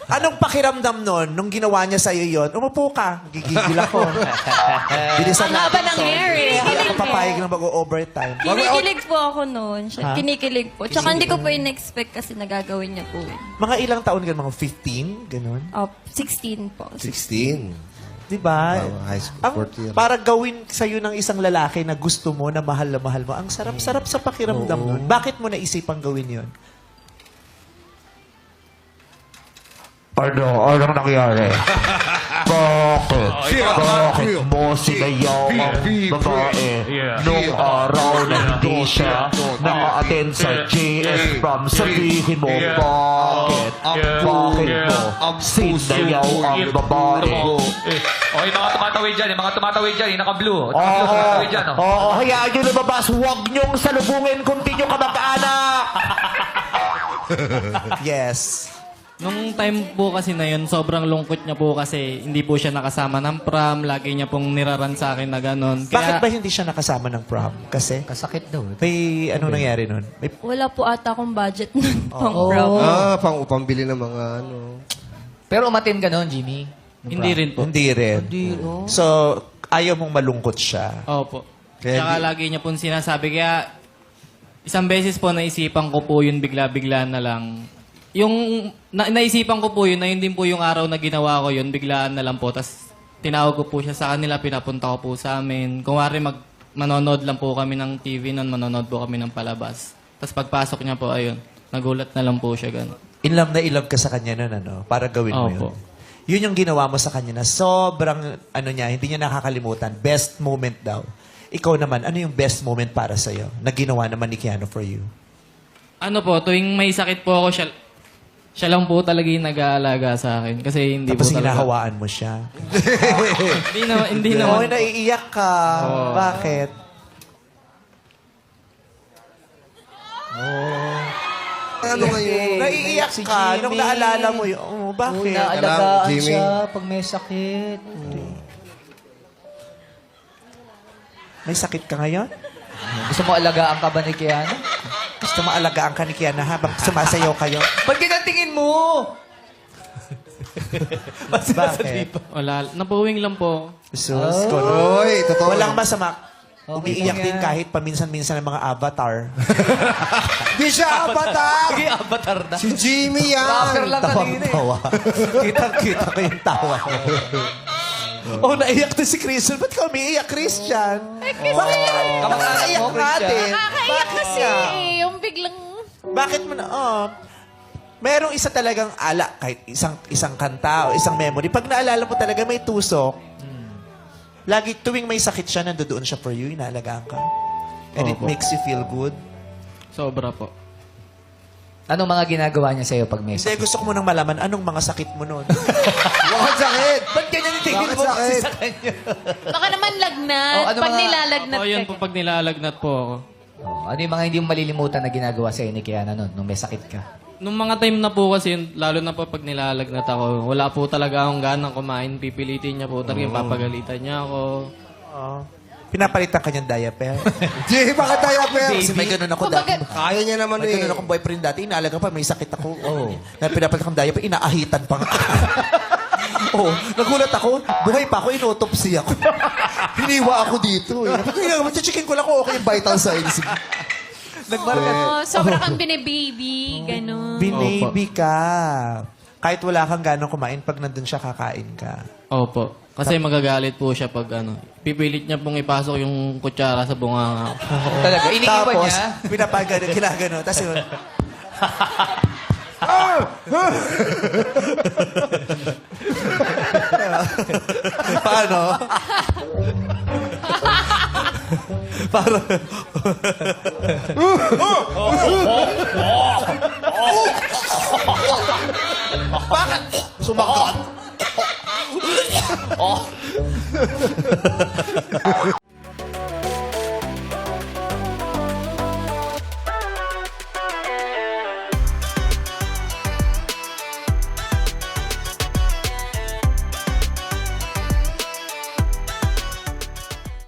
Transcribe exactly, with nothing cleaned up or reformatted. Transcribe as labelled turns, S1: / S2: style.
S1: Anong pakiramdam nun nung ginawa niya sa'yo yun? Umupo ka. Gigigil ako. Bilisan
S2: Ang haba
S1: natin
S2: ng
S1: to.
S2: hair eh.
S1: Hindi ako papayag na mag-overtime.
S2: Kinikilig po ako noon. Siya,
S1: Ha?
S2: kinikilig po. Tsaka hindi ko po in-expect kasi nagagawin niya po. eh.
S1: Mga ilang taon ka? Mga fifteen? Ganun?
S2: Oh, sixteen po.
S3: sixteen.
S1: Diba?
S3: Wow, high school,
S1: Ang,
S3: fourth year.
S1: para gawin sa'yo ng isang lalaki na gusto mo, na mahal na mahal mo, ang sarap-sarap sa pakiramdam nun. Bakit mo naisipang gawin yun?
S4: Ano? Anong nangyari? Bakit? Bakit mo sinayaw ang babae nung araw na hindi siya naka-attend sa J S prom? Sabihin mo, bakit? Bakit mo sinayaw ang babae?
S5: Okay, mga tumatawid dyan, eh, mga tumatawid dyan, eh, naka-blue.
S4: Oo,
S5: Naka-blue, tumatawid dyan, oh.
S4: oo, hayaan nyo lumabas. Huwag nyong salubungin kung di nyo kamag-anak.
S1: Yes.
S6: Nung time po kasi na yun, sobrang lungkot niya po kasi hindi po siya nakasama ng prom. Lagi niya pong niraran sa akin na gano'n.
S1: Bakit ba hindi siya nakasama ng prom? Kasi?
S7: Kasakit daw. eh.
S1: May anong nangyari nun? May
S2: Wala po ata akong budget nun pang prom.
S3: Ah, pang pambili ng mga ano.
S7: Pero umatin ka noon, Jimmy?
S6: Hindi rin po.
S1: Hindi rin.
S7: Hindi, oh.
S1: So, ayaw mong malungkot siya.
S6: Opo.
S1: Kaya
S6: Tsaka
S1: di-
S6: lagi niya pong sinasabi. Kaya isang beses po naisipan ko po yun bigla-bigla na lang. Yung na, naisipan ko po yun, na yun din po yung araw na ginawa ko yun, biglaan na lang po. Tapos tinawag ko po siya sa kanila, pinapunta ko po sa amin. Kung wari mag, manonood lang po kami ng T V noon, manonood po kami ng palabas. Tapos pagpasok niya po, ayun, nagulat na lang po siya gano'n.
S1: In love na in love ka sa kanya nun, ano? Para gawin mo
S6: Opo.
S1: yun. Yun yung ginawa mo sa kanya na sobrang, ano niya, hindi niya nakakalimutan. Best moment daw. Ikaw naman, ano yung best moment para sa'yo na ginawa naman ni Keanu for you?
S6: Ano po, tuwing may sakit po ako, siya, siya lang po talaga yung nag-aalaga sa akin. Kasi hindi
S1: Tapos
S6: po talaga...
S1: hinahawaan mo siya.
S6: Hindi naman, hindi
S1: Oo,
S6: naman.
S1: naiiyak ka. Bakit?
S3: Ano ngayon?
S1: Naiiyak
S7: si
S1: ka
S7: Jimmy.
S1: nung naalala mo yun. Oh,
S7: Oo,
S1: bakit?
S7: naalagaan
S3: Jimmy.
S7: siya pag may sakit.
S1: May sakit ka ngayon?
S7: Gusto mo alagaan ka ba ni Keanu?
S1: Gusto mo alagaan ka ni Kiana habang sumasayaw kayo?
S7: Ba't tingin mo?
S1: Bakit?
S6: Wala, napuwing lang po.
S1: Sus, ko no.
S3: Oy, totoo.
S1: Walang masama.
S7: Okay
S1: Umiiyak
S7: lang
S1: din
S7: yan.
S1: kahit paminsan-minsan ng mga avatar.
S3: Di siya avatar!
S7: Sige, avatar na.
S3: Si Jimmy
S7: Rapper
S3: yan!
S7: lang kanina eh.
S1: Tawang-tawa. Kitang-kita ko yung tawa ko. Oh, naiyak din si Christian. Ba't ka umiiyak, Christian? Bakit yan?
S7: Kamag-anak
S1: Naiyak
S7: mo, Christian.
S1: natin.
S2: Nakakaiyak kasi
S1: nga?
S2: eh. Yung biglang...
S1: Bakit mo na, oh, merong isa talagang ala, kahit isang isang kanta o isang memory. Pag naalala mo talaga, may tusok. Lagi, tuwing may sakit siya, nandoon siya for you, inaalagaan ka. And it
S6: Opo.
S1: makes you feel good.
S6: Sobra po.
S7: Anong mga ginagawa niya sa'yo pag may
S1: Kasi
S7: sakit?
S1: gusto ko munang malaman, anong mga sakit mo noon?
S3: Bakit sakit?
S7: Ba't ganyan yung tingin
S3: Bakit
S7: mo kasi
S3: sakit?
S7: sa kanya?
S2: Baka naman lagnat.
S7: Oh, ano
S2: pag
S7: mga-
S2: nilalagnat
S6: O, yun
S2: ka.
S6: po pag nilalagnat po ako.
S7: Oh, ano yung mga hindi mo malilimutan na ginagawa sa'yo ni Keanu noon nung may sakit ka?
S6: Nung mga time na po kasi, yun, lalo na po pag nilalagnat ako, wala po talaga akong ganang kumain. Pipilitin niya po talaga, papagalitan niya ako.
S1: Oh. Pinapalitan ka niyang diaper.
S3: Jimmy, bakit tayo, Per?
S1: Kasi may ganun ako dati.
S3: Kaya niya naman
S1: May
S3: eh.
S1: ganun akong boyfriend dati. Inaalaga pa, may sakit ako. Oh. Na pinapalitan akong diaper, inaahitan pa nga. Oh, nagulat ako. Buhay pa ako, inotopsy ako. Hiniwa ako dito eh. Kaya naman, chichikin ko lang kung okay yung vital signs. Nagmarka.
S2: Oh, sobra kang binibaby. Ganon.
S1: Binaby ka. Kahit wala kang ganong kumain, pag nandun siya, kakain ka.
S6: Opo. Kasi magagalit po siya pag ano. Pipilit niya pong ipasok yung kutsara sa bunganga ko.
S7: Talaga, iniiwan
S1: Tapos,
S7: niya?
S1: pinapagano, ginagano. Tapos yun, paano? Para Bakit? Sumagot.